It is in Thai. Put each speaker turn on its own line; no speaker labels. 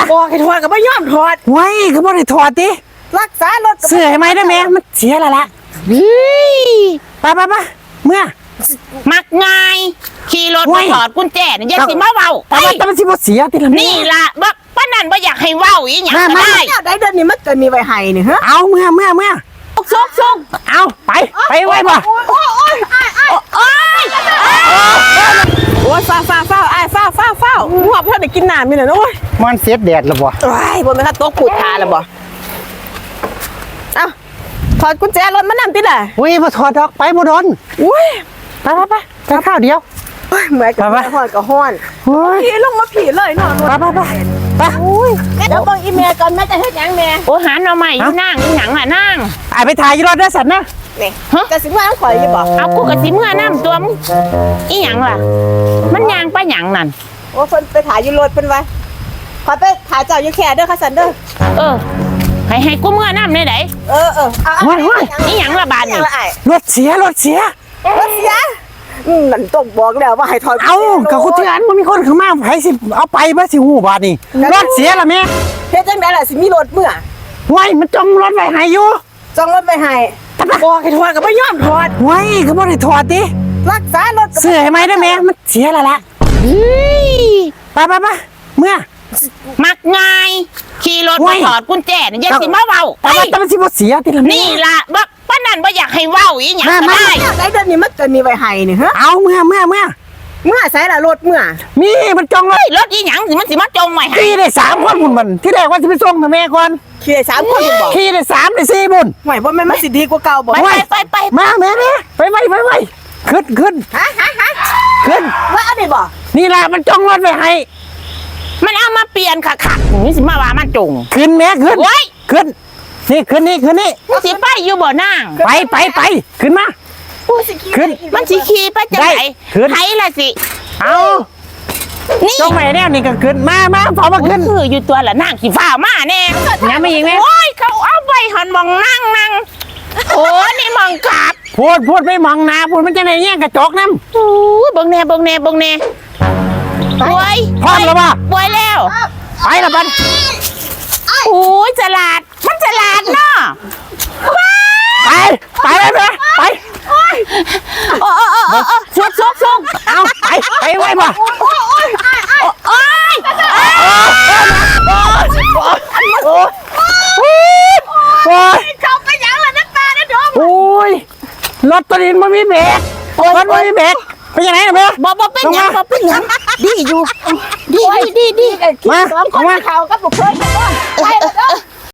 บอกให้ถอดก็ไม่ยอมถอด
ไว้ก็บ่ได้ถอดดิ
รักษารถ
เสื้อให้ไหมได้ไหมมันเสียแล้วล่ะไปเมื่อ
มักง่ายขี่รถมาถอดกุญแจนี่อย่าสิมาเว้า
แต่มันสิบ่เสียติละ
นี่ล่ะบ่ป้านั่นบ่อยากให้เว้าอีหยังก็ได้
ได้เดือนนี้มันเกิดมีไว้ให้นี่ฮะ
เอาเมื่อ
ซุก
เอาไปไว้บ่
โอ้ยฟ้าไอ้ฟ้าหัวเพื่อนได้กินน้ำนี่แหละโอ้ย
มันเสียแดดแล้วบ่
โอ้ยบนมันก็โต๊ะขูดขาแล้วบ่เอ้าถอดกุญแจรถมานำติล่ะ
อุ้ยบ่ถอดดอกไปบ่โดน
อุ้ย
ไปข้าวเดียว
เหมือนกับห้อนกับห้อนผีลงมาผีเลยนอน
ไปอุ้ย
เดี๋ยวบังอีเมลก่อนแม่จะเฮ็ดยังแม่
โอ้หาหน่อใหม่อยู่นั่งอีหยังล่ะนั่ง
ไปถ่ายอยู่รถได้สัตว์นะ
นี่จะสิว่าต้องข่อยอยู่บ่
เอากูกะสิเมื่อน้ำตัวมึงอีหยังล่ะมันยางไปหยังนั่น
โอ้เพิ่นไปถ่ายอยู่รถเพิ่นไว้ขอไปถ่ายเจ้าอยู่แค่เด้อค่ะสันเด้อ
ให้กูเมื่อน้ำได้ไหนอีหยังละบานนี่
รถเสีย
นั่นต้องบอกแล้วว่าให้ถอด
เอากับกูเตือนมันมีคนเข้ามาให้สิเอาไปบ่สิหูบาดนี่รถเสียล่ะแม่
เฮ็ดจังได๋ล่ะสิมีรถเมื่อ
ไว้มันจ้องรถไว้ให้อยู่
จ้องรถไว้ให้บอกให้ถอดก็ไม่ยอมถอด
ไว้ก็บ่ได้ถอดดิ
รักษารถ
เสื้อให้ไหมได้ไหมมันเสียแล้วล่ะไปเมื่อ
มักง่ายขี่รถมาถอดกุญแจนี่อย่าสิมาเว้า
แต่มันสิบ่เสียติละ
นี่ล่ะป้านั่นบ่อยากให้เว้าอีหยังก็ได้
ได้เดือนนี้มันเกิดมีไว้ให้นี่ฮะ
เอาเมื่อ
ใส่ละรถเมื่อ
มีมันจอง
รถอีหยังสิมันสิมาจงไว้ให้
ขี่ได้3คนพุ่นมันที่แรกว่าสิไปส่งแม่ก่อน
ขี่ได้3คนบ่
ขี่ได้3ได้4บุญ
ห่วยบ่แม่นมันสิดีกว่าเก่าบ่
ไป
มาแม่ไปขึ้นขึ้น
ว่าอันนี้บ่
นี่ล่ะมันจองรถไว้ให้
มันเอามาเปลี่ยนคักๆนี่สิมาว่ามันจง
ขึ้นแม่ขึ้นนี่ขึ้นนี่
สิไปอยู่บ่นาง
ไปขึ้นมาขึ้น
มันสิขี่ไปจังได๋ไผล่ะสิ
เอานี่จงไปแน่นี่ก็ขึ้นมาพอมาขึ้น
คืออยู่ตัวละนางสิฟ้ามาแน่
ยังไม่ยิงแม่
โอ้ยเขาเอาไปหันมองนั่งโอ้นี่มองกลับ
พูดไม่มองหน้าพูดมันจะไหนแย่งกระจกน้ำ
โอ้เบิ่งแน่ป่วย
พร้อมแล้วป่ะ
ป่วยแล้ว
ไปละบัน
โอ้ยฉลาดมันฉลาดเนาะ
ไปเลยไป
ซุก
เอาไปไว้ป่ะ
เขาไปยังล่ะน้ำตานะดม
โอ้ยรถตัวนี้มันมีเบรกเป็นยังไงนะแม่
บ่เป็นหยังดีอยู่ดี
มา
เขากับบุกเพื่อน